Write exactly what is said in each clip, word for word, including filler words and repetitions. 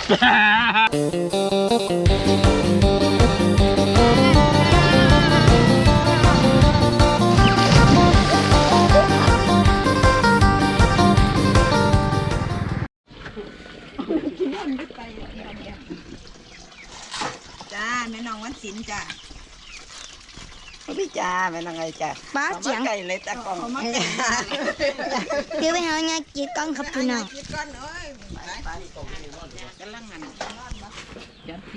จ้าแม่น้องวันศิลป์จ้าพี่จ้าแม่น้องไงจ้าป้าเจียงไก่เลยตะกองเดี๋ยวไปหาเงี้ยจีก้อนครับพี่น้องจีก้อนเอ้ยกำลังงานจัดที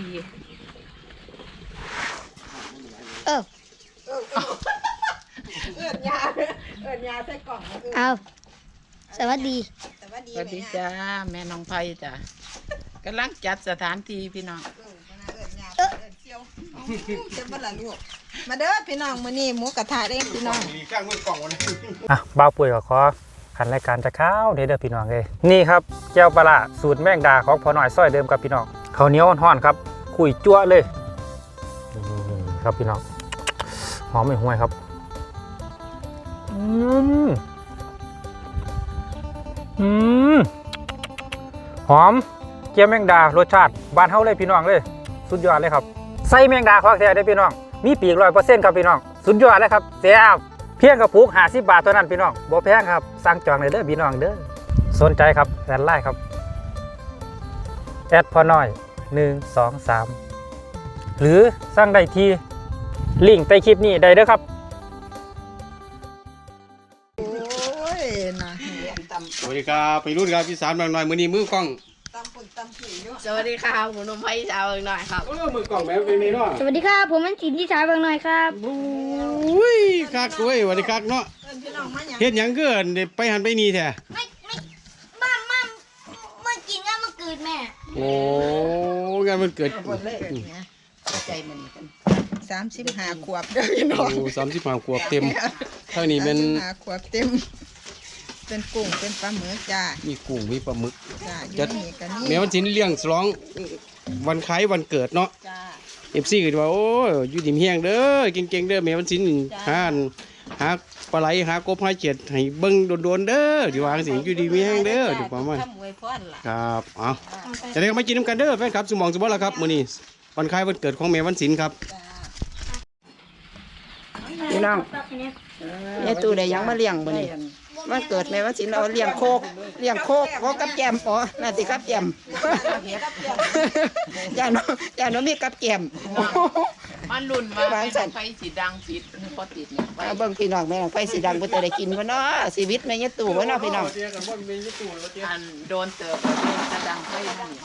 เออเอิญยาเอิญยาใส่กล่องเอาสวัสดีสวัสดีจ้าแม่น้องไผ่จ้ากำลังจัดสถานที่พี่น้องเออเซียวเจ็บบ้านละลูกมาเด้อพี่น้องมื้อนี้หมูกระทะเองพี่น้องมีข้างมือกล่องวันนี้อ่ะบ่าวปุ๋ยก็ขอขันรายการจะข้าวเด้อเด้อพี่น้องเลยนี่ครับแก้วปลาสูตรแมงดาของพ่อหน่อยซ้อยเดิมกับพี่น้องข้าวเหนียวห่อนครับคุยจั่วเลยนี่ครับพี่น้องหอมไม่ห่วยครับอืมอืมหอมเกี๊ยวแมงดารสชาติบ้านเฮาเลยพี่น้องเลยสุดยอดเลยครับใส่แมงดาของแท้ได้พี่น้องมีปีกร้อยเปอร์เซ็นต์ครับพี่น้องสุดยอดเลยครับแซ่บเพียงกระปุกห้าสิบบาทเท่านั้นพี่น้องบ่แพงครับสั่งจองเลยเด้อพี่น้องเด้อสนใจครับแอดไลน์ครับแอดพอน้อยหนึ่งสองสามหรือสั่งได้ที่ลิงก์ใต้คลิปนี้ได้เด้อครับโอ้ยนะสวัสดีครับไปรุ่นครับพี่สามหน่อยมือนี้มือกล้องตำปุ่นตำผีอยู่สวัสดีครับผมนมไผ่ชาวหน่อยครับเออมือกล้องแบบเป็นเนาะสวัสดีครับผมมันสินที่ชายบางหน่อยครับอุ้ยคักด้วยสวัสดีคักเนาะเฮ็ดหยังเกินไปหันไปนี่แท้ไม่ไม่บ้ามาเมื่อกินก็มาเกิดแม่โอ้งานมันเกิดใจมันกันสามสิบห้าขวบเด้อพี่น้องโอ้สามสิบห้าขวบเต็มเท่านี้เป็นห้าขวบเต็มเป็นกุ้งเป็นปลาหมึกจ้ามีกุ้งมีปลาหมึกจ้าแม้วันชิ้นเลี้ยงสลองวันคล้ายวันเกิดเนาะจ้าเอฟซีก็ว่าโอ้อยู่ดิ่มเฮียงเด้อเก่งๆเด้อแม้วันชิ้นหาหาปลาไหลหากบหาเจ็ดให้เบิ้งโดนๆเด้อที่วางสิอยู่ดิ่มเฮียงเด้อถูกป่ะมั้ยครับเอาจะได้มากินน้ำกันเด้อแฟนครับสมองสมบัติแล้วครับมื้อนี้วันคล้ายวันเกิดของแม่วันศิลป์ครับพี่น้องยายตู่ได้ยังมาเลี้ยงบ่นี่มันเกิดแม่วันศิลป์เราเลี้ยงโคกเลี้ยงโคกโคกกับแกมอ๋อน่าสิกับแกมย่าน้องย่าน้องมีกับแกมมันรุ่นมาไฟสีดังสีพอติดเนี่ยเบิ่งพี่น้องแม่ไฟสีดังบ่ได้กินบ่เนาะชีวิตแม่ยายตู่บ่เนาะพี่น้องอันโดนเติบกระดังไฟนั่น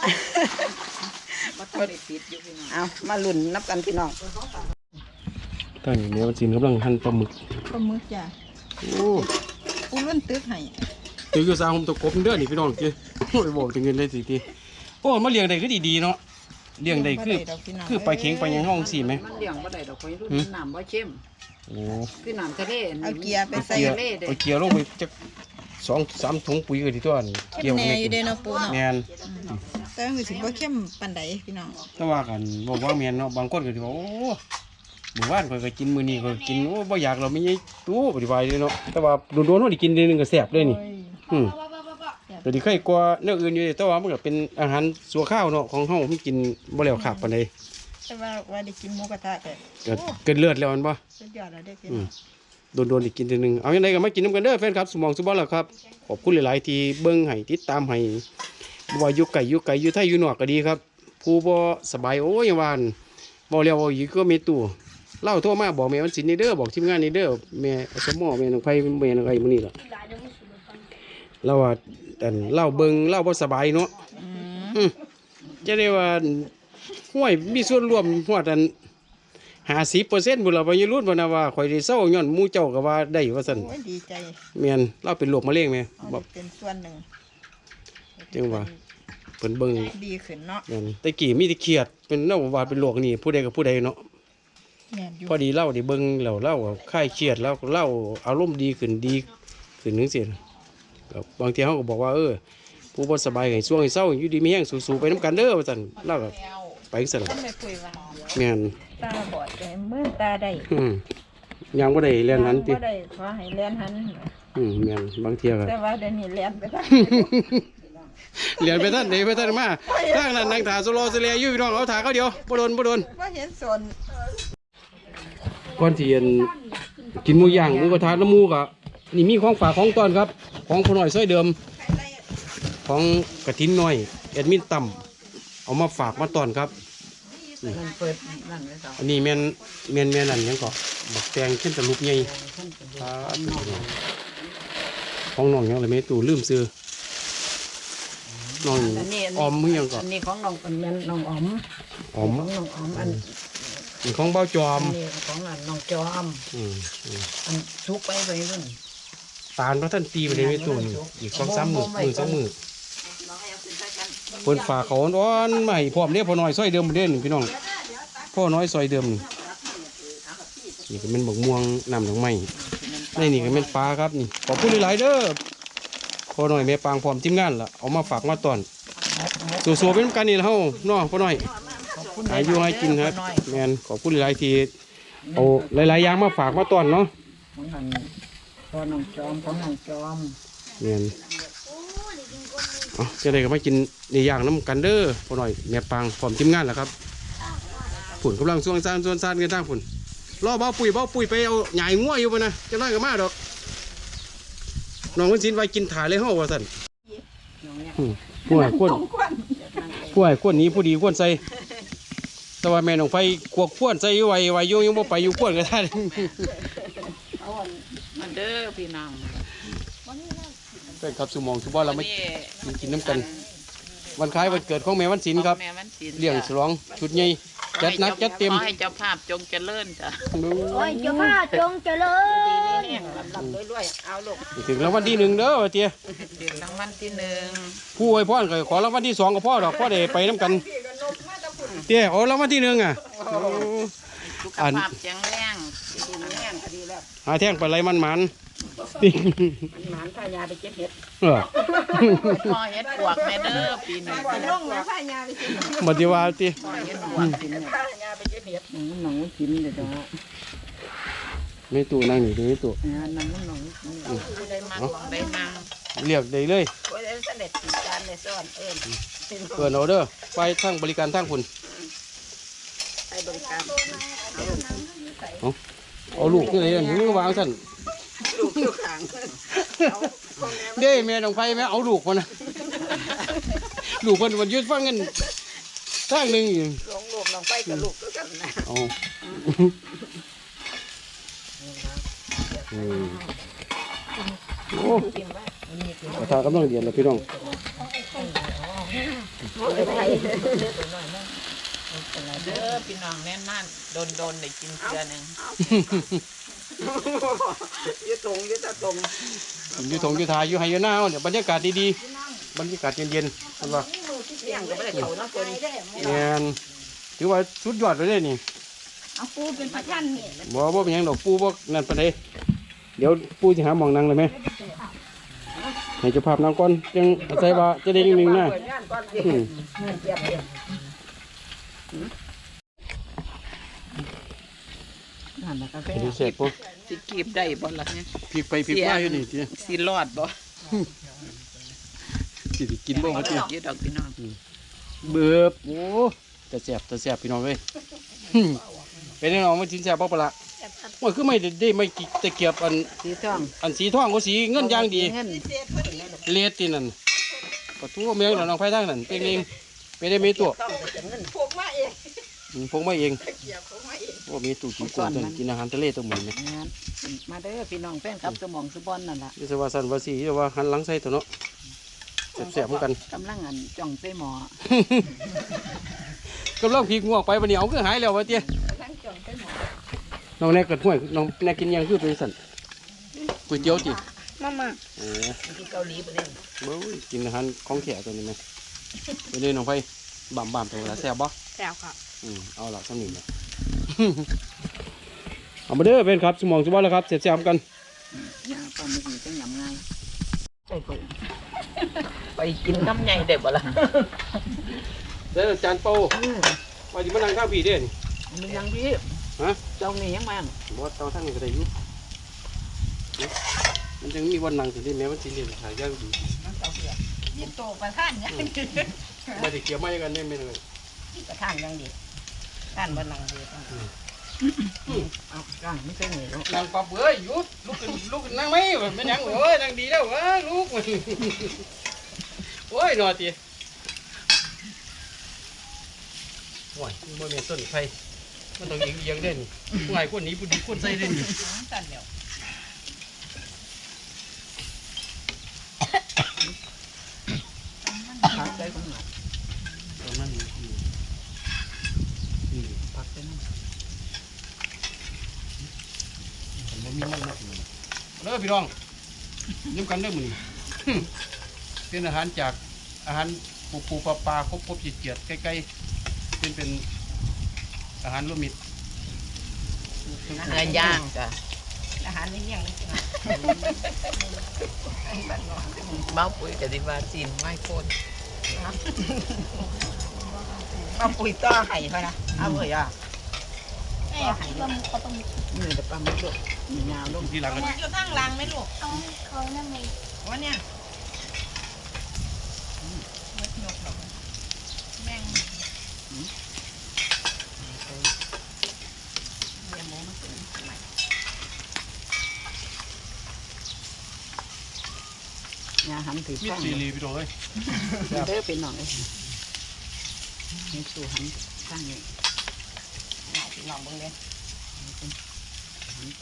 เอามาลุ้นนับกันพี่น้องตอนนี้แม่วันศิลป์กำลังหั่นปลาหมึกปลาหมึกจ้าโอ้ปูรุ่นตึกให้ตึกอยู่ซาผมตะกบเด้อนี่พี่น้องจิโอ้ยบอกถึงเงินเลยสิทีโอ้มาเลี้ยงได้คือดีๆเนาะเลี้ยงได้คือคือไปเข็งไปยังห้องสิแม่มันเลี้ยงบ่ได้ดอกข่อยรุ่นน้ำบ่เข้มโอ้คือน้ำทะเลเอาเกียร์ไปใส่ทะเลเด้เอาเกียร์ลงไปจักสองสามถุงปุ๋ยก็ดีตัวนี่เกี่ยวแน่อยู่เด้เนาะปูเนาะแม่นแต่คือสิบ่เข้มปานใดพี่น้องแต่ว่ากันบอกว่าแม่นเนาะบางคนก็สิว่าโอ้หมู่บ้านข่อยก็กินมื้อนี้ก็กินโอ้บ่อยากเราไม่ใช่ตู้ปฏิบัติเลยเนาะแต่ว่าโดนๆเฮาได้กินเดือนนึงก็แซ่บเลยนี่อืมแต่ที่เคยกว่าเนื้ออื่นอยู่แต่ว่ามันก็เป็นอาหารสัวข้าวเนาะของเฮามันกินบ่แล้วขาดปานใดแต่ว่าว่าได้กินหมูกระทะก็เกินเลือดแล้วมันบ่สุดยอดแล้วเด้อพี่น้องโดนๆอีกกินทีนึงเอาอย่างไรก็มากินน้ำกันเด้อแฟนครับสมองสุบอลล่ะครับขอบคุณหลายๆที่เบิ้งให้ติดตามให้ว่าอยู่ไก่อยู่ไก่อยู่ไทยอยู่นอกก็ดีครับผู้บ่สบายโอ้ยหวานบ่แล้วบ่อยู่ก็มีตู้เล่าโทรมาบอกแม่วันศิลป์นี่เด้อบอกทีมงานนี่เด้อแม่สมอแม่น้องไผแม่น้องไอ้มื้อนี้ล่ะเราว่าอันเล่าเบิ้งเล่าบ่สบายเนาะอืมจะได้ว่าห้วยมีส่วนร่วมฮอดอันห้าสิบเปอร์เซ็นต์บุญเราไปยืนรุ่นวันว่าข่อยได้เศร้าย้อนมูเจ้าก็ว่าได้ว่าสั่นดีใจเมียนเราเป็นโรคมะเร็งไหมเป็นส่วนหนึ่งจังว่าเพิ่นเบิ่งดีขึ้นเนาะแต่กี่มีแต่เครียดเป็นเล่าว่าเป็นโรคนี่ผู้ใดกับผู้ใดเนาะพอดีเล่าได้เบิ่งแล้วเล่าคลายเครียดแล้วเล่าอารมณ์ดีขึ้นดีขึ้นนึงสิบางทีเขาก็บอกว่าเออผู้บ่สบายให้ช่วงให้เศร้าอยู่ดีมีแห้งสู้ๆไปน้ำกันเด้อว่าสั่นเล่าไปสั่นเมียนตาบอดแต่มือตาได้ยังบ่ได้เรียนหันติบ่ได้ขอให้เรียนหันอืมแม่นบางเที่ยก็แต่ว่าเดี๋ยวนี้เรียนไปได้เหรียญไปท่านไหนไปท่านมาทางนั้นนางถาสโลสเลียอยู่พี่น้องเอาถาเขาเดียวบ่โดนบ่โดนว่าเห็นสนก่อนที่จะกินหมูย่างหมูกระทะน้ำหมูกะนี่มีของฝากของต้อนครับ ของพ่อหน่อยซอยเดิม ของกระทินน้อยแอดมินต่ำเอามาฝากมาต้อนครับนี่อันนี้แมนแมนแมนนั่นยังก็บักแตงเช่นตะลุกใหญ่ของน้องยังเลยไม่ตู่ลืมซื้อน้องออมมึงยังก็อันนี้ของน้องเป็นแม่นน้องอ๋อมออมของน้องอ๋อมอันนี่ของเบ้าจอมอันนี้ของอันน้องจอมอืมอืมอันชุกไปไปรุ่นตาลพระท่านตีไปเลยไม่ตู่นี่อีกสองสามมือมือสองมือเพิ่นฝากเขาอ้อนใหม่พร้อมเนี่ยพ่อน้อยซอยเดิมเด่นพี่น้องพ่อน้อยซอยเดิมนี่นี่ก็เป็นบักม่วงน้ำดอกไม้ในนี่ก็เป็นปลาครับนี่ขอบคุณหลายๆเด้อพ่อน้อยแม่ปางพร้อมทีมงานล่ะเอามาฝากมาตอนสู้ๆเป็นกันนี่ละเฮาเนาะพ่อน้อยอายุให้กินครับแม่นขอบคุณหลายๆที่เอาหลายๆอย่างมาฝากมาตอนเนาะของอันพ่อน้องจอมของน้องจอมแม่นเอาจะได้ก็มากินในอย่างน้ำกันเด้อพ่อน้อยแม่ปางพร้อมทีมงานล่ะครับฝนกำลังส่วงซ่านส่วนซ่านกันทางฝนรอเบ้าปุ๋ยเบ้าปุ๋ยไปเอาใหญ่งัวอยู่ปะนะจะน้อยก็มาดอกน้องวันศิลป์ไว้กินถ่ายเลยเฮาว่าสั่นผู้ใหญ่คนผู้ใหญ่คนนี้ผู้ดีคนใส่แต่ว่าแม่น้องไฟขวบขวนใส่ไว้ไว้โยงยังบ่ไปอยู่ขวนก็ได้มาเด้อพี่น้องเป็นครับสุมองสุบอเราไม่วันนี้กินน้ำกัน วันคล้ายวันเกิดของแม่วันศิลป์ครับแม่วันศิลป์เลี้ยงฉลองชุดใหญ่จัดหนักจัดเต็มขอให้เจ้าภาพจงเจริญจ้ะโอ้ยเจ้าพ่อจงเจริญแห้งลำลำรวยๆเอาลูกถึงรางวัลที่หนึ่งเด้อว่าเตี้ยเดือนรางวัลที่หนึ่งผู้อวยพรก็ขอรางวัลที่สองกับพ่อดอกพ่อได้ไปน้ำกันเตี้ยเอารางวัลที่หนึ่งอ่ะสุขอันภาพแข็งแรงดีแรงก็ดีแล้วหาแท่งปลาไหลมันหมันติ๊งหมานพายาไปเก็บเห็ดเออพ่อเฮ็ดปวกแม่เด้อปีนี้ลงแล้วพายาไปสิบัดนี้ว่าติพ่อเฮ็ดปวกสิเนี่ยพายาไปเก็บเห็ดน้องน้องกินเดี๋ยวจะไม่ตู้นั่งนี่ไม่ตู้น้องน้องได้มาได้มาเรียกได้เลยโอ้ยเสด็จติดจานในซ่อนเอิญเปิดเอาเด้อไปทางบริการทางคุณใช้บริการเอาเอาลูกนี่เลยนี่วางสั่นลูกอยู่ข้างเด้แม่น้องไฟแม่เอาลูกมานะลูกคนวันยืดฟังกันทางหนึ่งอยู่ลงลูกน้องไปกับลูกก็กันนะเอาอืมโอ้กระทากำลังเดียนเลยพี่น้องเด้อพี่น้องแน่นนั่นโดนๆได้กินเกลือหนึงยืดตรงยืดตรงอยู่ถงอยู่ทายอยู่ไฮยูน่าเนี่ยบรรยากาศดีๆบรรยากาศเย็นๆเห็นปะเลี้ยงก็ไม่ได้เขานะคนแม่นถือว่าสุดยอดไปเลยนี่เอาปูเป็นประชันนี่บ่บ่เป็นหยังดอกปูบ่นั่นปานใดเดี๋ยวปูสิหาหมองนั่งเลยไหมให้เจ้าภาพนั่งก่อนจังอาศัยว่าจะได้นิ่งๆนะอืมนั่นแหละกาแฟดีเสร็จปุ๊บสิกีบได้บ่ล่ะเนี่ยพลิกไปพลิกมาอยู่นี่ติสิรอดบ่สิได้กินบ่ว่าติอยู่ดอกพี่น้องเบิบโอ้แต่แซ่บแต่แซ่บพี่น้องเอ้ยเป็นน้องมากินแซ่บบ่ปะล่ะโอ้ยคือไม่ได้ได้ไม่กี่ตะเกียบอันสีทองอันสีทองก็สีเงินอย่างดีเงินเลดที่นั่นปะทูเมียงน้องไฟทางนั่นเป็นเองเป็นได้มีตัวพวกมาเองอืมพงมาเองเกี่ยวพวกมาเองว่ามีตู้กินกุ้งตัวนี้กินอาหารทะเลตัวหมือนไหมมาเด้อพี่น้องแฟนครับสมองสุบอนนั่นแหละยี่สว่าสันว่าสียี่ว่าหันหลังใส่ตัวเนาะแสบๆเหมือนกันกำลังอันจ่องใส่หมอกำลังพีกงวกไปวันนี้เอาคือหายแล้ววะเตี้ยน้องแน่เกิดห่วยน้องแน่กินยังคือเป็นสันก๋วยเตี๋ยวจีมามาโอ้ที่เกาหลีไปเลยเบ้ยกินอาหารของแขกตัวนี้ไหมไปเลยน้องไฟบ่ามบ่ามตัวละแซ่บบ่แซวค่ะอืมเอาละสำนึกเลย เอามาเด้อเป็นครับสมองสมบัติแล้วครับเสียบๆกันยาปลาหมึกนี่ก็ยำง่ายไปไปไปกินน้ำใหญ่ได้บ่ล่ะเด้อจานโป้ไปที่มานั่งข้าวผีเด้นี่มันยังพี่ฮะเจ้านี่ยังมันบอสเตาทั้งนี้ก็ได้อยู่นะมันจึงมีวันนั่งถึงที่แม้วันสิเรียนขายย่างดียี่โตประท่านเนี่ยไม่ได้เกี่ยวไม่กันเนี่ยไม่เลยกระทานยังดีทานบนหลังดีเอาก้างไม่ใช่เหนียวนางปรับเอ้ยหยุดลุกขึ้นลุกขึ้นนั่งไหมไม่ยังเอ้ยนั่งดีแล้วเอ้ยลุกโอ้ยนอนตีโอ้ยมันเป็นต้นไฟมันต้องเอียงเอียงเด่นผู้ใหญ่คนนี้ผู้ดีคนใส่เด่นสั่นเดียวพักได้ก็หน่อยตรงนั้นนี่พักได้นั่นผมบ่มีมันนะเด้อพี่น้องยิ้มกันเด้อมื้อนี้เป็นอาหารจากอาหารปูปูปลาปลาครบครบจิตเกียรติใกล้ๆเป็นเป็นอาหารรวมมิตรเนื้อย่างจ้ะอาหารไม่เยี่ยงเลยเบ้าปุ๋ยกับดิบาจีนไม่โคนเอาปุ๋ยต่อไห่เขานะเอาเลยอ่ะแม่ปลาหมึกเขาปลาหมึกนี่แต่ปลาหมึกลูกมียาวลูกที่หลังกันอยู่ข้างหลังไหมลูกเขาเขานั่นไงว่าเนี่ยมดยกหรอกแม่งยาหันถือมิตข้าร งซีรีพี่น้องเอ้ยเด้อเป็นหน่อยนี่สู่หันข้างนี้ลองเบิ่งเลยหันไป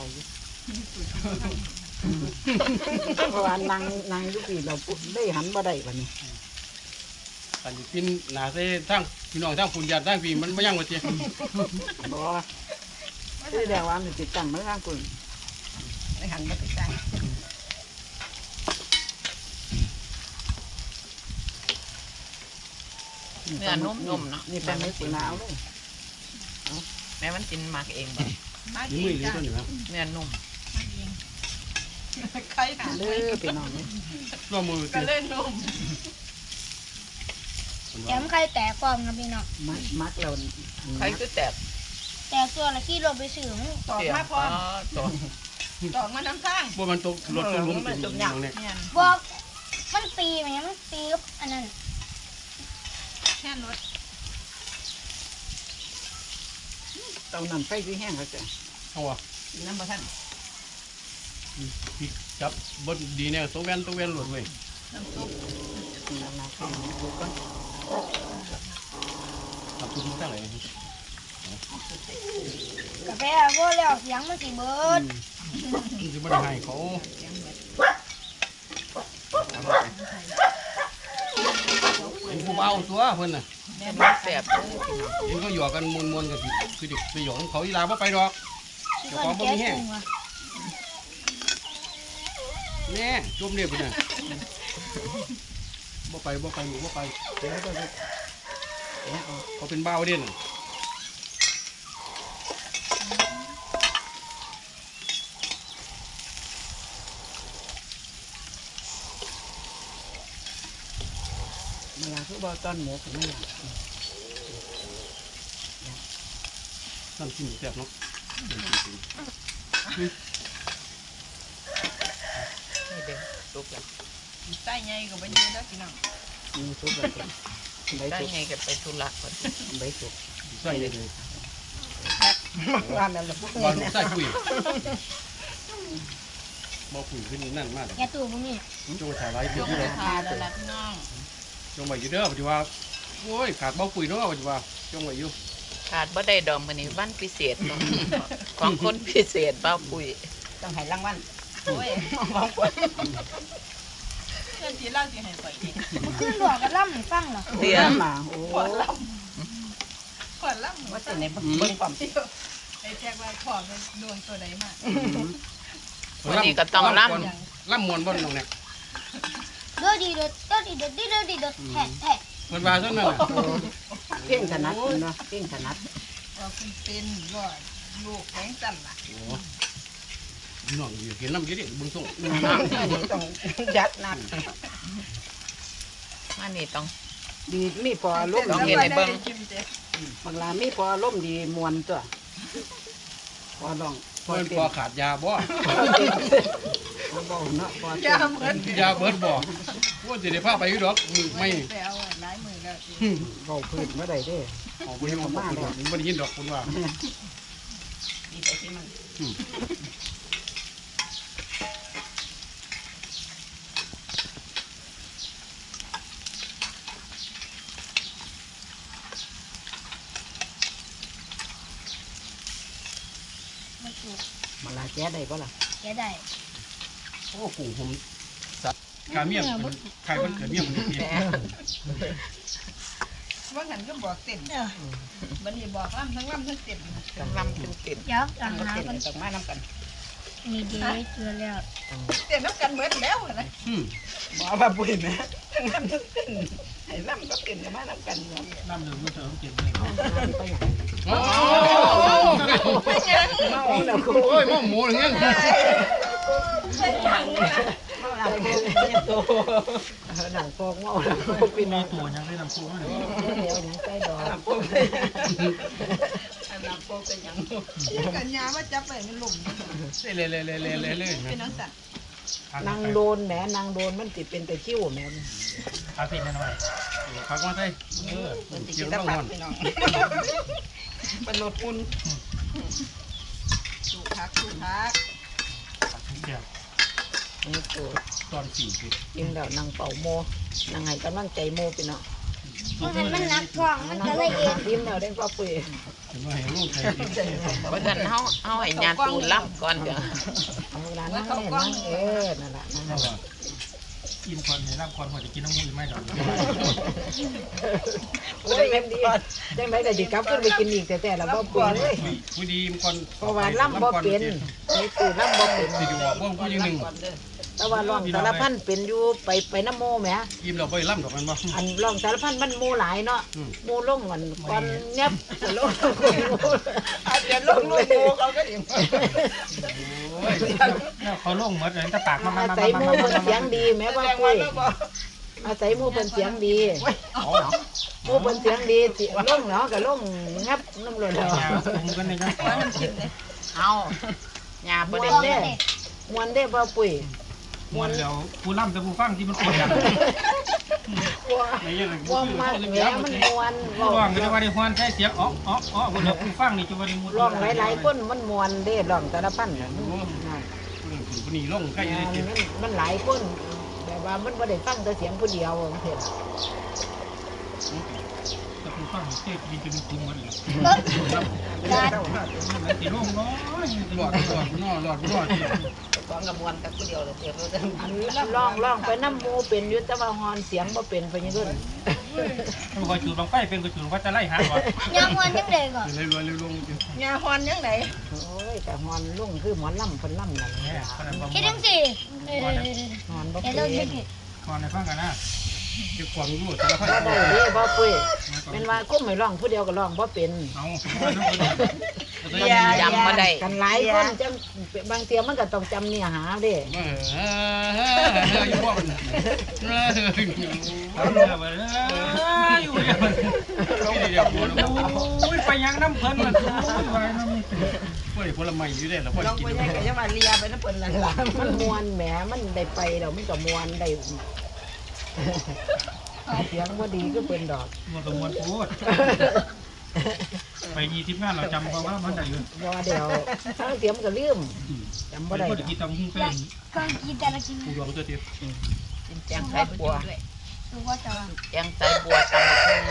เพราะว่านางนางยุคีเราได้หันบ่ได้วันนี้อันนี้กินหนาเส้ทั้งพี่น้องทั้งฝุ่นยาทั้งพี่มันไม่ยั่งว่าเจี๊ยบ่ที่เดียวว่ามันติดตั้งมาข้างคุณได้หันมาติดตั้งเนื้อนุ่มๆเนาะนี่เป็นไม่ปุ๋ยหนาวเลยแม่มันกินหมักเองบ่มานี่ดีมือหรือจ้ะตัวหนึ่งครับเนื้อนุ่มใครถามเด้อเป็นน้องเลยร่วมมือก็ตีเล่นนุ่มแถมไข่แตกฟองนะพี่น้องมักมักเราใครคือแตกแต่ตัวละที่เราไปซื้อมันตอกเสียมาพร้อมตอกตอกมาน้ำข้างว่ามันตกรถตัวล้มเป็นอย่างเนี้ยเนี่ยบอกมันตีไหมมันตีกับอันนั้นแค่รถเตานั่นไฟคือแห้งแล้วจ้ะเอาวะน้ำประทันพี่จับบดดีเนี่ยตัวแว่นตัวแว่นหลุดเว้ยน้ำซุปนั่นนะคือดูก่อนทำทุกท่าไหนกาแฟว่าแล้วเสียงมันสีเบิดจะไม่ได้ให้เขาเป็นผู้เบาตัวเพิ่นน่ะแม่มันแสบเลยพี่น้องเห็นเขาหยอกกันมวนๆกันคือเด็กไปหยอกเขาอีลาบ่ไปดอกที่คนแก้ซึงว่ะแม่จมเรียบไปน่ะบ่ไปบ่ไปหนูบ่ไปเดี๋ยวก็จะเดี๋ยวเอาเขาเป็นเบาเด่นเวลาคือบ่ต้นหมูถึงไม่อยากนั่นกินแซ่บเนาะนี่เด้อสุกแล้วใต้ใหญ่ก็ไปยืนแล้วพี่น้องมีซุปแบบใบได้สุกไงก็ไปธุระก่อนใบสุกใส่เลยว่าแม่ละพวกบอลนี้ใส่ปุ๋ยบ่ปุ๋ยขึ้นนั่นมากแกตู้พวกนี้จงถ่ายไว้ยเดี๋ยวกที่ไปเราทานแล้วล่ะพี่น้องจงไว้อยู่เด้อปัจจุบันโอ้ยขาดบ่ปุ๋ยเนาะปัจจุบันจงไว้อยู่ขาดบ่ได้ดอกมื้อนี้วันพิเศษของของคนพิเศษเบ้าปุ๋ยต้องให้รางวัลโอ้ยบางคนเพื่อนที่เล่าที่ให้ไปอีกมันขึ้นหลวกกับล่ำให้ฟังเหรอเตี้ยมาโอ้ขวดล่ำขวดล่ำว่าจะในเบิ้งความไอ้แจ็คไว้ขอมันโดนตัวใดมาวันนี้ก็ต้องล่ำล่ำมวนบ่น้องเนี่ยเด้อดีเด้อเด้อดีเด้อดีเด้อดีเด้อแทะแทะเพิ่นว่าซั่นนั่นน่ะเก่งถนัดเนาะเก่งถนัดว่าคุณเป็นว่าลูกแข็งสั่นล่ะโอ้น้องอยู่เห็นน้ำอยู่ดิเบิ่งส่งต้องยัดนักมานี่ต้องดีมีพอลมต้องเห็นในเบิ่งบางลามีพอลมดีมวนตัวพอลองพอเพิ่นเต็พมอขาดยาบ่พอเบาเนาะพอยาเหมือนยาเบิดบ่ว่าจะได้พาไปอยู่ดอกมือไม่ไปเอาหลายมือแล้วเบาพื้นเมื่อใดเด้ออกไปให้มาดอกไม่ได้ยินดอกคุณว่าดีไปที่มันมาลาแก้ได้ป่ะล่ะแกได้โอ้ปู่ผมสัตว์กาเมียมันใครมันเกิดเมียมันนี่ว่าหันก็บอกเต็มบันนี้บอกล่ำทั้งล่ำทั้งเต็มต้องลำเป็นเต็มเดี๋ยวอ่างต้องน้ำเต็มกันต้องมาน้ำกันมีเดย์เจอแล้วเต็มน้ำกันเหมือนแล้วนะอืมบอกว่าปุ๋ยนะทั้งลำทั้งเต็มให้ลำก็เต็มมาน้ำกันเนาะน้ำหนึ่งมันจะต้องกินเลยโอ้ไม่ยังโอ้ยหม้อหมูอย่างเงี้ยหนังฟองเมาหนังฟองปีนตัวยังได้น้ำซุปเลยเดียวยังใส่ดอกน้ำโป๊ะน้ำโป๊ะเป็นยังกันยาว่าจับไปมันหลุมเล่เล่เล่เล่เล่เล่เป็นน้องสัตว์นางโดนแหมนางโดนมันติเป็นแต่คิ้วแหมคาเฟ่แน่นอนพักมาใส่เออมันจะเกี่กิยนวตะต้องปันกอนพี่น้องเป็นรถอุ่นสูพักสูพักเกี่ยวนี่ตัวตอนสี่สิบกินแล้วนางเป่าโมนางให้กำลังใจโมไปเนาะเพราะมันมันนักท้องมันก็เลยเองยิ้มแล้วได้ป้าปุ้ยถึงว่าเห็นลูกใครเพราะฉะนั้นเฮาเฮาให้ญาติปูลำก่อนเดี๋ยวเอาเวลานั่งเนี่ยนั่งเออนั่นแหละนั่นแหละกินก่อนเนี่ยรับก่อนพอจะกินน้ำมูกไม่ดอกโอ้ยเอ็มดีจังไรก็จิกลับขึ้นไปกินอีกแต่แต่ละป้าปุ้ยเลยผู้ดีมันก่อนเพราะว่าล่ำบ่เป็นไอ้ตู่ล่ำบ่เป็นสิดูว่าพวกผู้ยิงหนึ่งแต่ว่าร้องสารพันเป็นอยู่ไปไปน้ำโมแหมยิ้มเราไปล่ำดอกมันบ่อันร้องสารพันมันโมหลายเนาะโมลงกันก่อนเนี้ยลงอาจจะลงลูกโมเขาก็เองเนี่ยเขาลงหมดเลยตะปากมามาอามาศัยมาโมมาเพิ่นเสียงดีแม่ว่าปุ้ยอาศัยโมเพิ่นเสียงดีโมเพิ่นเสียงดีสิลงเนาะก็ลงงับน้ำหล่นแล้วผมกันในจังว่าน้ำจิ้มเลยเอาญาติมบ่วได้นเด้มวนเด้บ่ปุ้ยมวนแล้วผู้ล่ำแต่ผู้ฟังที่มันปวดว่ามากแหมมันมวนผู้ร้องก็จะว่าได้ฮวนใช้เสียงอ๋ออ๋ออ๋อคนเดียวผู้ฟังนี่จะว่าได้มุดร้องหลายๆคนมันมวนเด้ร้องสารพันน่ะผู้นี้ลงใกล้เลยมันมันหลายคนแบบว่ามันบ่ได้ฟังแต่เสียงผู้เดียวจังซี่ล่ะแต่ผู้ฟังเทศดีจะมีคุ้มกันเลยการแล้วตีลงน้อยหลอดหลอดนอหลอดนอสองกระบวนกับผู้เดียวเลยเดี๋ยวเราจะอันร้องร้องไปน้ำหมูเป็นอยู่แต่ว่าฮอนเสียงบ่เป็นไปยังเด้อมันคอยจูดบังไฟเป็นก็จูดว่าจะไล่หาก่อนยังวันยังเด็กก่อนเลยรวยเลยลงยาฮอนยังไงโอ้ยแต่ฮอนลุงคือหมอนล่ำเพิ่นล่ำนั่นเนี่ยขนาดประคิดมาถึณงสิเออฮอนบ่เดี๋เป็ยวน เราคิดก่อนในฟังกันนะจะความรู้สารพัดบ่ได้เด้บ่ปุ้ยเป็นว่ากุ้มให้ร้องผู้เดียวก็ร้องบ่เป็นเอาจำมาได้กันหลายคนจังบางเทียมันก็ต้องจำเนื้อหาเด้เออเอออยู่บ่มันเออเอาลงไปเลยอยู่เดียวลงเดียวบ่ลงโอ้ยไปยังน้ำเพลินมันโอ้ยไปน้ำบ่ได้ผลไม้อยู่ได้แล้วบ่ลองกิไปนยังไงยังมาเลียไปน้ำเปิ่นละล่ะมันมวนแหมมันได้ไปแล้วมันก็มวนได้เสียงบ่ดีก็เป็นดอกมันก็มวนพูดไปยี่สิบงานเราจำเพราะว่ามันได้อยู่บ่เดี๋ยวถ้าเสียงมันก็ลืมจำบ่ได้คนกินตำหุ้งเป็นก็กินแต่ละกินผู้ดวงตัวเดียวกินแจงไส้บัวรู้ว่าจะแจงไส้บัวตำบักหุ่ง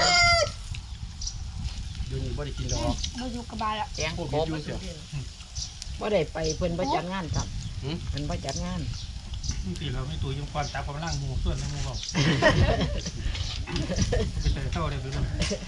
เดี๋ยวนี้บ่ได้กินดอกเราอยู่กับบานแล้วแจงพวกกนี้บอยู่เสียบ่ได้ไปเพิ่นบ่จัดงานครับเพิ่นบ่จัดงานตีเราไม่ตัวยุ่งความตาความล่างหูส่วนในหูเราไปเจอเท่าได้ไปด้วย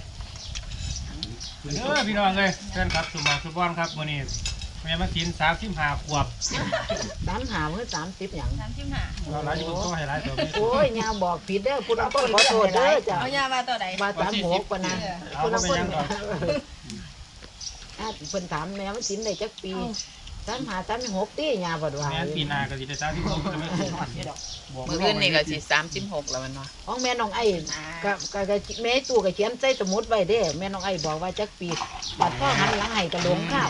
เออพี่น้องเลยเชิญครับสุมาสุบอนครับวันนี้แม่มากินสามสิบห้าขวบสามหามื้อสามสิบหยังน้ำจิ้มหาเราหลายที่ต้องให้หลายตัวนี้โอ้ยยาบอกผิดเด้อคุณต้องขอโทษเด้อจ้ะเอายามาตัวไหนว่าสามหกปะนะเอาคุณไปต้องคนยังก่อนอ่ะเพิ่นถามแม่มันสินได้จักปีสามหาสามหกตียาบ่ว่าแม่ปีนาก็จะได้สามสิบหกจะไม่ถึงบอกมื้ออื่นนี่ก็สิสามสิบหกแล้วมันเนาะของแม่น้องไอ้ก็ก็ก็แม่ตู่ก็เขียนใส่สมุดไว้เด้แม่น้องไอ้บอกว่าจักปีบัดพ่อหันหลังให้ก็ลงข้าว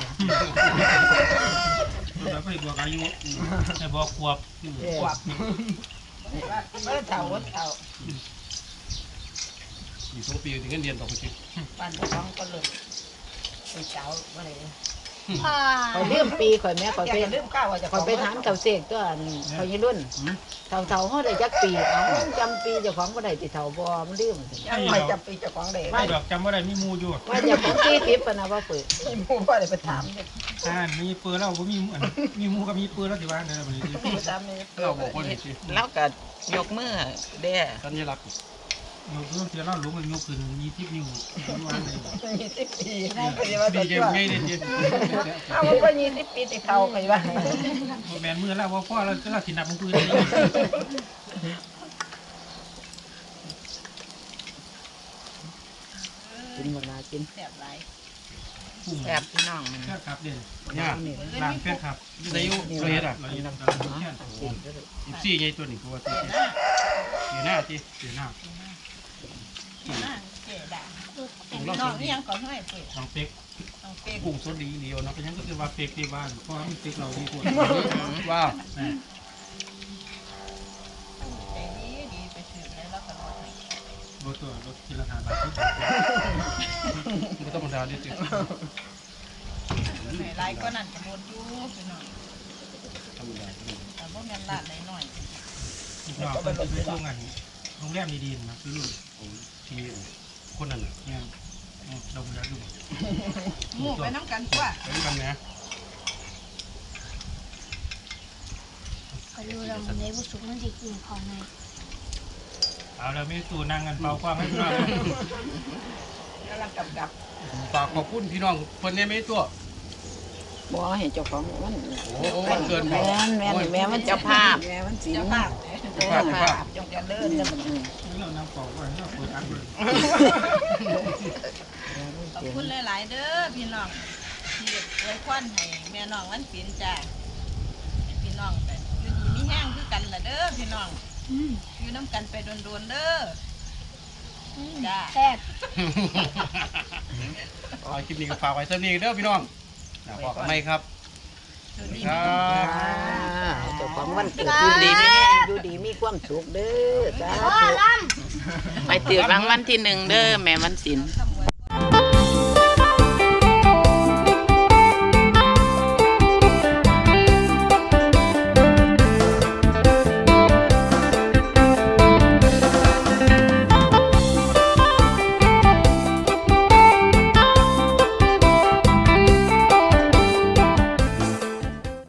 เราไปบอกอายุให้บอกขวบเออเออเท่าวัดเท่าอยู่สองปีถึงเงินเดือนต่อไปสิบ้านเจ้าของก็เลยเป็นเจ้าอะไรพ่อคอยเลื่อมปีคอยแม่คอยไปเลื่อมข้าวจะคอยไปถามเต่าเสกตัวคอยยี่รุ่นเต่าเต่าเขาได้จักปีเอาจำปีเจ้าของก็ได้ติเต่าบอมันเลื่อมยังไม่จำปีเจ้าของได้ไม่ดอกจำว่าได้มีมูอยู่ว่าเจ้าของที่ทิพย์นะว่าเปิดมีหมู่ว่าได้ไปถามอ่ามีปืนแล้วบ่มีอันมีมูกับมีปืนแล้วสิว่าเดี๋ยวบัดนี้ไปถามนี่เราบอกคนนี้สิแล้วก็ยกมือเด้สัญลักษณ์ยกเรื่องเสียเล่าหลวงมันยกขึ้นมีทิพนิ้วว่าเลยมีสิบปีก็จะว่าดีจะใจง่ายเลยจีเอามันก็ยี่สิบปีติเท่าไปว่าแมนมือแล้วว่าพ่อเราเราสินับมันปืนกินเวลากินแซ่บหลายพุ่งแบบพี่น้องแค่ครับเด่นเนี่ยล้างแค่ครับใส่ยูเราเห็ดอ่ะเราอยู่นำกันแค่สิบสี่ไงตัวนี้กูว่าสิบสี่หน้าจีเสียหน้าน่าเจ๋ดาน้องนี่ยังก่อนให้เปิดน้องเป็กน้องเป๊กกุ้งสดดีเดียวเนาะก็ยังก็คือว่าเป็กที่บ้านเพราะมันเป็กเราดีกว่าว้าวใจดีดีไปถือแล้วก็รอให้รถตัวรถที่ราคาบาทไม่ต้องมาทานดิจีให้หลายก็นั่นก็หมดอยู่พี่น้องธรรมดาแต่บ่แม่นลาดหน่อยเราเป็นไปช่วงงานโรงแรมดีๆนะคือทีคนนั้นเนี่ยเราไม่ได้ดูๆหมู่ไปน้ำกันตัวไปด้วยกันนะก็รู้เราในบุสุกมันจะกินของไงเอาเราไม่ตู่นั่งกันเป่าความให้เรากำลังกับกับฝากขอบคุณพี่น้องคนนี้ไม่ตัวบ่ให้เจ้าของมันโอ้โหวันเกินแม่แม่แม่มันเจ้าภาพแม่มันสีเจ้าภาพเจ้าภาพจงจะเลิศจะมันเรานำเป่าไว้เราเปิดอันเลยขอบคุณหลายๆเด้อพี่น้องที่ไว้ควันให้แม่น้องวันศีลจ้าให้พี่น้องไปอยู่ดีมีแห้งคือกันล่ะเด้อพี่น้องอยู่น้ำกันไปโดนๆเด้อจ้าแซ่บเอาคลิปนี้ก็ฝากไว้สักนิดเด้อพี่น้องนะบอกกันไหมครับสวัสดีครัพี่น้องบเจ้าของวันเกิดอยู่ดีมีอยู่ดีมีความสุขเด้อสาพ่อธุลไปตื่นรางวัลที่หนึ่งเด้อแม่วันศิลป์ทำ